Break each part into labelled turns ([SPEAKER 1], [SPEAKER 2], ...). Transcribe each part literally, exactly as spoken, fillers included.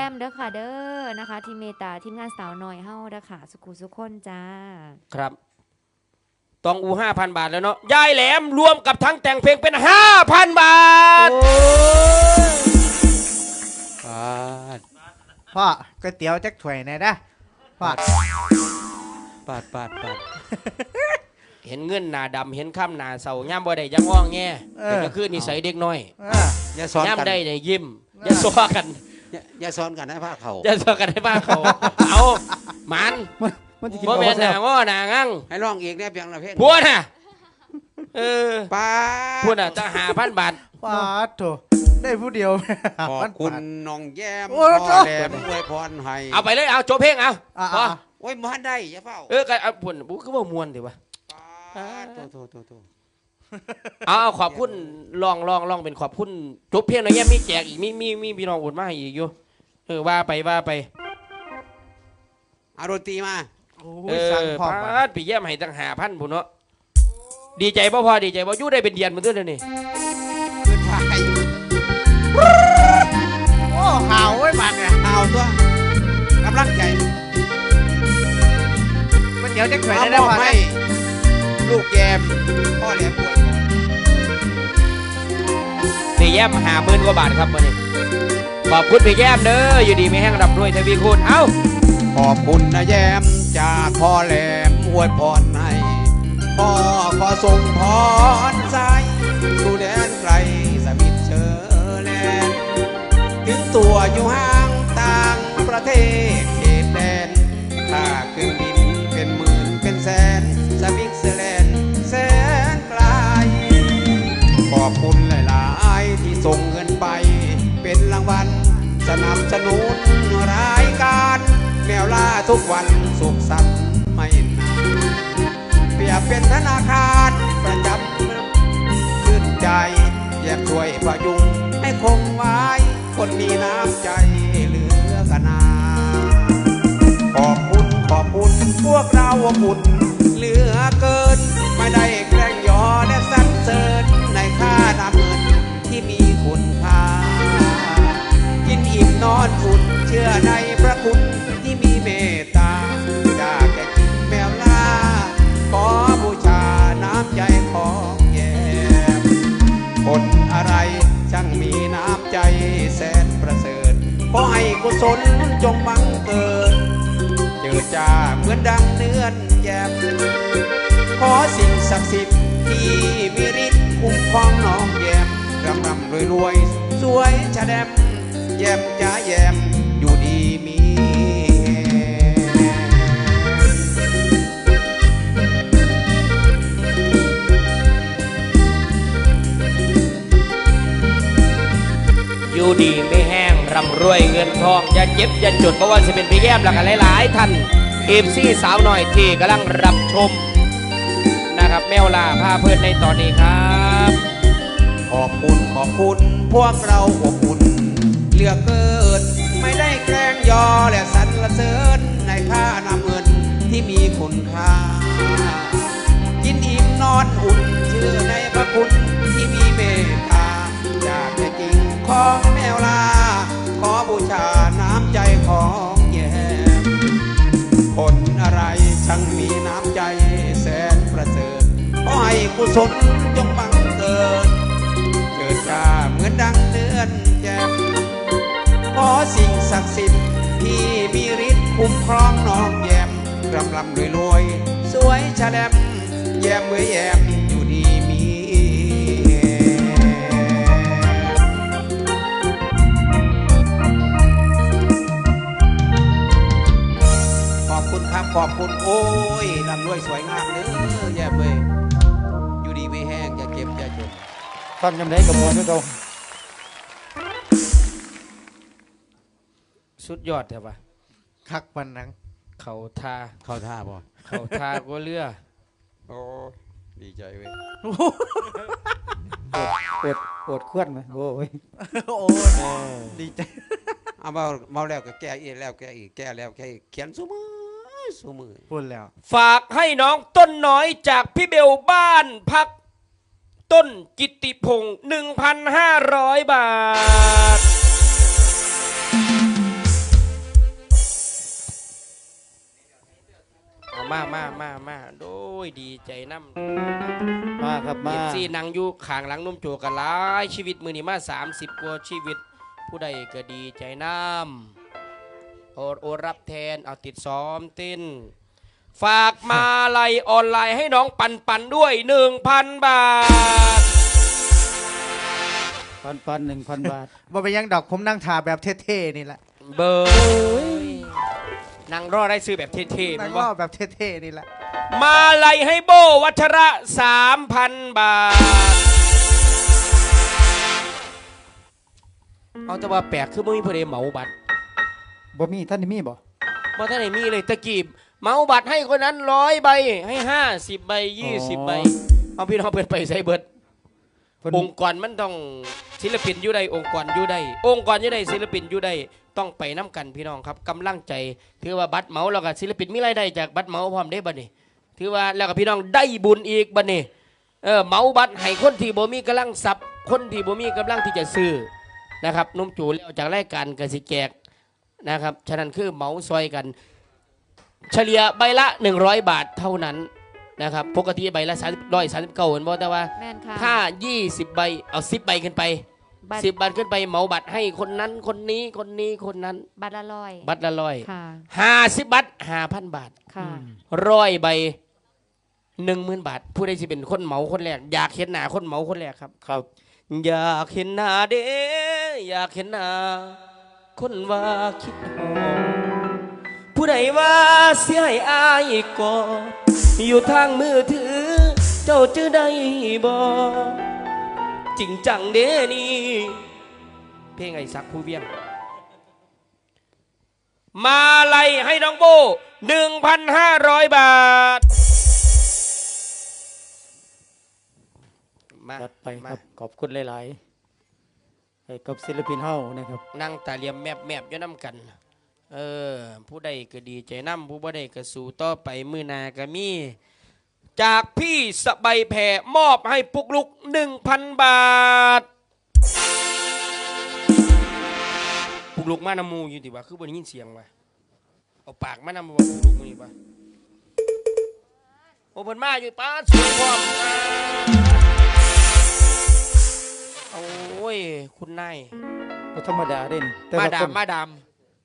[SPEAKER 1] มเด้อค่ะเด้อนะคะที่เมตตาทีมงานสาวน้อยเฮาเด้อค่ะสุขุสุขคนจ้า
[SPEAKER 2] ครับตองอูห้าพันบาทแล้วเนาะยายแหลมรวมกับทั้งแต่งเพลงเป็นห้าพันบาท
[SPEAKER 3] พ่อก๋วยเตี๋ยวจักถ้วยไหนนะพ่อ
[SPEAKER 2] ปาดปาดปาดเห็นเงินหนาดำเห็นข้ามหนาเสาย่ำบ่ได้ยังอ้องแง่เป็นก็คือนิสัยเด็กน้อย
[SPEAKER 4] อย่าสอนกัน
[SPEAKER 2] ย่ำได้เนี่ยยิ้มอย่าซ้อกัน
[SPEAKER 4] อย่าสอนกันให้ผ้าเขา
[SPEAKER 2] อย่าซ้อกันให้ผ้าเขาเอามันบ่แม่นหนาง้อหนางั่ง
[SPEAKER 4] ให้ร้องอีกเนี่ยเพียงละเพลง
[SPEAKER 2] พูดน่ะเออ
[SPEAKER 4] ป้า
[SPEAKER 2] พูดน่ะจะหาพันบาท
[SPEAKER 3] ป้าโถได้ผู้เดียว
[SPEAKER 4] ขอบคุณน้องแย้ม
[SPEAKER 3] พ่อ
[SPEAKER 4] แหลมอวยพรให้
[SPEAKER 2] เอาไปเลยเอาโจเพลงเอาพอ
[SPEAKER 4] โอ้ยมันได้อย่าเฝ้า
[SPEAKER 2] เออกันเอาพูดบุ๊กก็ว่ามวนถือว่า
[SPEAKER 4] โตโตโต
[SPEAKER 2] เอาเอาขอบคุณลองลองลองเป็นขอบคุณจบเพลงหน่อยแย่มีแจกอีกมีมีมีพี่น้องโอนมาให้อีกอยู่เออว่าไปว่าไป
[SPEAKER 4] เอาดนตรีมา
[SPEAKER 2] เออพาดปีแย้มให้ตั้งหาพันบุญเนาะดีใจพ่อพอดีใจพ่อยู่ได้เป็นเดือนเหมือนเดิมเลยนี่
[SPEAKER 4] ขึ้นไป
[SPEAKER 3] โอ้ห่าวไว้มันเนี่ย
[SPEAKER 4] ห่าวตัวกำลังใจ
[SPEAKER 3] ก๋วยเตี๋ยวจักถ้วยได้พ่อให้
[SPEAKER 4] ลูกแยมพ่อแหลมป่วย
[SPEAKER 2] ปีแย้มหาหมื่นกว่าบาทครับวันนี้ขอบคุณปีแย้มเด้ออยู่ดีไม่แห้งรับรวยทวีคูณเอ้า
[SPEAKER 4] ขอบคุณนะแย้มจากพ่อแหลมอวยพรให้พ่อขอส่งพรใจสู่แดนไกลสมิทเชอแลนด์ถึงตัวอยู่ห่างต่างประเทศเขตแดนค่าเครื่องบินเป็นหมื่นเป็นแสนสวิตเซอร์แลนด์แสนไกลขอบคุณหลายๆที่ส่งเงินไปเป็นรางวัลสนับสนุนรายการแมวล่าทุกวันสุขสันต์ไม่นานเปรียบเป็นธนาคารประจำชื่นใจอยากช่วยพยุงให้คงไว้คนมีน้ำใจเหลือกันนาขอบคุณขอบคุณพวกเราอบอุ่นเหลือเกินไม่ได้แกล้งยอและสรรเสริญในค่าน้ำเงินที่มีคุณค่ากินอิ่มนอนอุ่นเชื่อในพระคุณที่มีเมตตาจากแก่กินแมวล่าขอบูชาน้ำใจของแย้มคนอะไรช่างมีน้ำใจแสนประเสริฐขอให้กุศลจงบังเกิดเจิดจ้าเหมือนดังเนื้อนแย้มขอสิ่งศักดิ์สิทธิ์ที่มีฤทธิ์คุ้มครองน้องแย้มรำรำรวยรวยสวยชะแดมแย้มจ้าแย้มอยู่ดีมี
[SPEAKER 2] อยู่ดีไม่แห้งร่ำรวยเงินทองอย่าเจ็บอย่าจดเพราะว่าจะเป็นพี่แย้มหลักหลายๆท่านเอฟซีสาวหน่อยที่กำลังรับชมนะครับแมวล่าพาเพื่อนในตอนนี้ครับ
[SPEAKER 4] ขอบคุณขอบคุณพวกเราอบอุ่นเหลือเกินไม่ได้แกล้งยอและสรรเสริญในค่านำเงินที่มีคุณค่ากินอิ่มนอนอุ่นเชื่อในพระคุณที่มีเมตตาจากใจจริงของแมวลาขอบูชาน้ำใจของแย้มคนอะไรช่างมีน้ำใจแสนประเสริฐขอให้กุศลจงบังเกิดเกิดจ้าเหมือนดังเนื้อนแย้มขอสิ่งศักดิ์สิทธิ์ที่มีฤทธิ์คุ้มครองน้องแย้มรำรำรวยรวยสวยชะแลมแย้มเมื่อแย้มอยู่ดีมีขอบคุณครับขอบคุณโอ้ยรำรวยสวยงามเด้อแย้มเว้ยอยู่ดีไม่แห้งอย่าเก็บอย่าจน
[SPEAKER 3] ฟังจำได้กับมวลด้วยเรา
[SPEAKER 2] สุดยอดใช่ปะ
[SPEAKER 3] คักวันนัง
[SPEAKER 2] เขาทา
[SPEAKER 4] เข้าท่าบ่
[SPEAKER 2] เขาทาก็เลือ
[SPEAKER 4] โอ้ดีใจเว้ย
[SPEAKER 3] ปวดปวดเคลื่อนไหมโอ้ยโอ้ดีใจ
[SPEAKER 4] เอามาเมาแล้วก็แก้อีกแล้วแก้อีกแก้แล้วแก้อีกเขียนสู้มือสู้มือ
[SPEAKER 3] พูดแล้ว
[SPEAKER 2] ฝากให้น้องต้นน้อยจากพี่เบลบ้านพักต้นกิติพงศ์หนึ่งพันห้าร้อยบาทมามามามาโดยดีใจน้ำ
[SPEAKER 3] มาครับมา
[SPEAKER 2] เอฟซีนางอยู่ข้างหลังนุ่มโจกันหลายชีวิตมือนี้มาสามสิบกว่าชีวิต ผู้ใดก็ดีใจน้ำโอดโอรับแทนเอาติดซ้อมเต้น ฝากมาลัยออนไลน์ให้น้องปันปันด้วยหนึ่งพันบาท
[SPEAKER 3] พันพันหนึ่งพันบาท
[SPEAKER 5] บ่ไปยังดอกผมนั่งถ่าแบบเท่ๆนี่แหละ
[SPEAKER 2] เบอร์นางรอได้ซื้อแบบเท่ๆ
[SPEAKER 5] นั่
[SPEAKER 2] มั
[SPEAKER 5] ง
[SPEAKER 2] น
[SPEAKER 5] ร
[SPEAKER 2] ว่า
[SPEAKER 5] อแบบเท่ๆนี่แหละ
[SPEAKER 2] มาลัยให้โบวัชระสามพันบาท เอาแต่ว่าแปลกคือไม่มีผู้ใดเหมาบัตร
[SPEAKER 3] บ่มีท่านนี่มีบ่
[SPEAKER 2] บ่ท่านไหนมีเลยตะกี้เหมาบัตรให้คนนั้นร้อยใบให้ห้าสิบใบยี่สิบใบเอาพี่น้องเปิดไปใส่เบิด
[SPEAKER 3] เพิ่น
[SPEAKER 2] องค์กรมันต้องศิลปินอยู่ใดองค์กรอยู่ใดองค์กรอยู่ใดศิลปินอยู่ใดต้องไปน้ำกันพี่น้องครับกำลังใจถือว่าบัตรเหมาแล้วก็ศิลปินมีรายได้จากบัตรเหมาพร้อมได้บัดนี้ถือว่าแล้วก็พี่น้องได้บุญอีกบัดนี้เออเหมาบัตรให้คนที่บ่มีกำลังทรัพย์คนที่บ่มีกำลังที่จะซื้อนะครับนุ่มจูแล้วจากรายการกสิแจกนะครับฉะนั้นคือเหมาซอยกัน เฉลี่ยใบละหนึ่งร้อยบาทเท่านั้นนะครับปกติใบละสามร้อยสามสิบเก้าเหมือนบอกแต่ว่า
[SPEAKER 1] แม่นค่ะ
[SPEAKER 2] ถ้ายี่สิบใบเอาสิบใบขึ้นไป
[SPEAKER 1] บัตร
[SPEAKER 2] สิบบัตรขึ้นไปเหมาบัตรให้คนนั้นคนนี้คนนี้คนนั้น
[SPEAKER 1] บัตรละร้อย
[SPEAKER 2] บัตรละร้อย
[SPEAKER 1] ค่ะ
[SPEAKER 2] ห้าสิบบัตรห้าพันบาท
[SPEAKER 1] ค่ะ
[SPEAKER 2] ร้อยใบหนึ่งหมื่นบาท ผู้ใดสิเป็นคนเหมาคนแรกอยากเห็นหน้าคนเหมาคนแรกครับ
[SPEAKER 3] ครับ
[SPEAKER 2] อยากเห็นหน้าเด้อยากเห็นหน้าคนว่าคิดหอมผู้ใดว่าเสียให้อายก่ออยู่ทางมือถือ เจ้าจะได้บ่จริงจังเด้นี่เพลงไอ้สักผู้เวียง มาไล่ให้น้องโบหนึ่งพันห้าร้อยบาทมา
[SPEAKER 3] จัดไปค
[SPEAKER 2] มา
[SPEAKER 3] รับขอบคุณหลายๆให้กับศิลปินเฮานะครับ
[SPEAKER 2] นั่งตาเหลี่ยมแมบแมบอยู่น้ำกัน เออ ผู้ใดก็ดีใจน้ำผู้บ่ใดก็สู้ต่อไปมือหนาก็มี จากพี่สบายแผ่มอบให้ปุกลุกหนึ่งพันบาท ปุกลุกมานำมูอยู่ดีวะคือบนยินเสียงวะเอาปากมานำว่าปุกลุกมือนี่วะโอ้เพิ่นมาอยู่ป้าสวยพร้อมอ่าโอ้ย คุณนาย
[SPEAKER 3] บ่ธรรมดาเด่นแต่
[SPEAKER 2] มา
[SPEAKER 3] ละ
[SPEAKER 2] ดา
[SPEAKER 3] ค
[SPEAKER 2] ม
[SPEAKER 3] น
[SPEAKER 2] มาดาม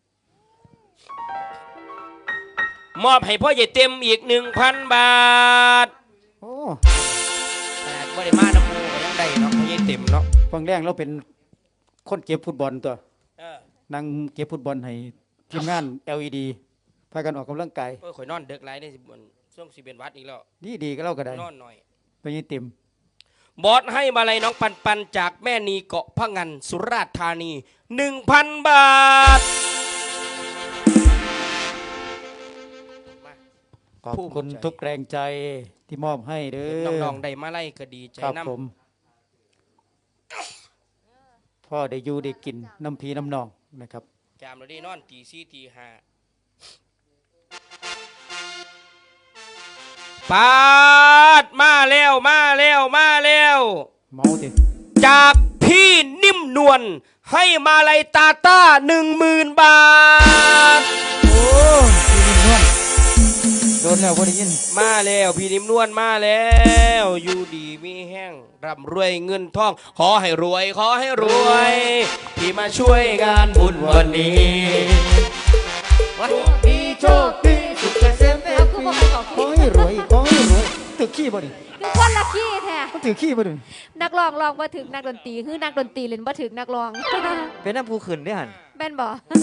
[SPEAKER 2] มอบให้พ่อใหญ่เต็มอีกหนึ่งพันบาท
[SPEAKER 3] โอ้
[SPEAKER 2] ขนาดบ่ได้มาน้ำมูก็ยังได้เนาะพ่อใหญ่เต็มเนาะ
[SPEAKER 3] ฟังแรงเราเป็นคนเก็บฟุตบอลตัว
[SPEAKER 2] เออ
[SPEAKER 3] นั่งเก็บฟุตบอลให้ทีมงาน แอล อี ดี พากันออกกำลังกาย
[SPEAKER 2] เออข่อยนอนเด็กไรได้สิบวันช่วงสิบเอ็ดวัดอีกแล้ว
[SPEAKER 3] ดีดีๆก็เล่าก็ได้
[SPEAKER 2] นอนหน่อย
[SPEAKER 3] ไปยินเต็ม
[SPEAKER 2] บอสให้มาลัยน้องปันปันจากแม่นีเกาะพะงันสุราษฎร์ธานีหนึ่งพันบาทมา
[SPEAKER 3] ขอบคุณ
[SPEAKER 2] ภูมิใจ
[SPEAKER 3] ทุกแรงใจที่มอบให้เด้
[SPEAKER 2] เห็น
[SPEAKER 3] อ
[SPEAKER 2] น้องๆได้มาไล่ก็ดีใจ
[SPEAKER 3] ครับ
[SPEAKER 2] น้
[SPEAKER 3] ผมพ่อได้อยู่ได้กินน้ำพีน้ำนองนะครับ
[SPEAKER 2] ำจามเราได้นอนตีสี่ตีห้าปาดมาแล้วมาแล้วมาแล้ว
[SPEAKER 3] เมาสิ
[SPEAKER 2] จากพี่นิ่มนวลให้มาลัยตาต้าหนึ่งหมื่นบาท
[SPEAKER 3] โอ้พี่นิ่มนวลโดนแล้วพอได้ยิน
[SPEAKER 2] มาแล้วพี่นิ่มนวลมาแล้วอยู่ดีมีแห้งร่ำรวยเงินทอง ขอให้รวยขอให้รวยที่มาช่วยงานบุญวันนี้วันนี้โชคดีสุขเกษม
[SPEAKER 1] เอาคือบอกให้เขา
[SPEAKER 3] ขอให้รวยขอให้รวยถือขี้บ่ดิ
[SPEAKER 1] คือคนละขี้แท้
[SPEAKER 3] มันถือขี้บ่ดิ
[SPEAKER 1] นักร้องร้องบ่ถึกนักดนตรีคือนักดนตรีเล่นบ่ถึกนักร้อง
[SPEAKER 6] เป็นน้ำผู้ขึ้นได้หัน
[SPEAKER 1] แม่นบ่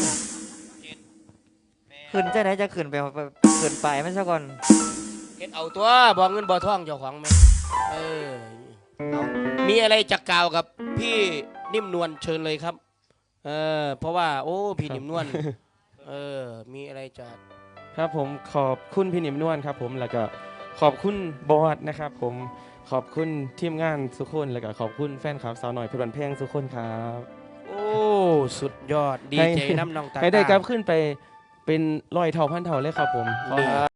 [SPEAKER 6] ขึ้นใจไหนจะขึ้นไปไปขึ้นไปไม่ใช่ก่อน
[SPEAKER 2] เฮ็ดเอาตัวบอกเงินบ่ทองเจ้าของไหมเออเอามีอะไรจะกล่าวกับพี่นิ่มนวลเชิญเลยครับเออเพราะว่าโอ้พี่นิ่มนวลเออมีอะไรจะ
[SPEAKER 7] ครับผมขอบคุณพี่หนิมนวลครับผมแล้วก็ขอบคุณบอสนะครับผมขอบคุณทีมงานสุกคนแล้วก็ขอบคุณแฟนคลับสาวหน่อยเพลินเพลงสุกคนครับ
[SPEAKER 2] โอ้สุดยอดดี
[SPEAKER 7] ให้
[SPEAKER 2] ใจน้ำน้องตา
[SPEAKER 7] ให้ได้กลับ
[SPEAKER 2] ตา
[SPEAKER 7] ขึ้นไปเป็นร้อยเท่าพันเท่าเลยครับผมขอให้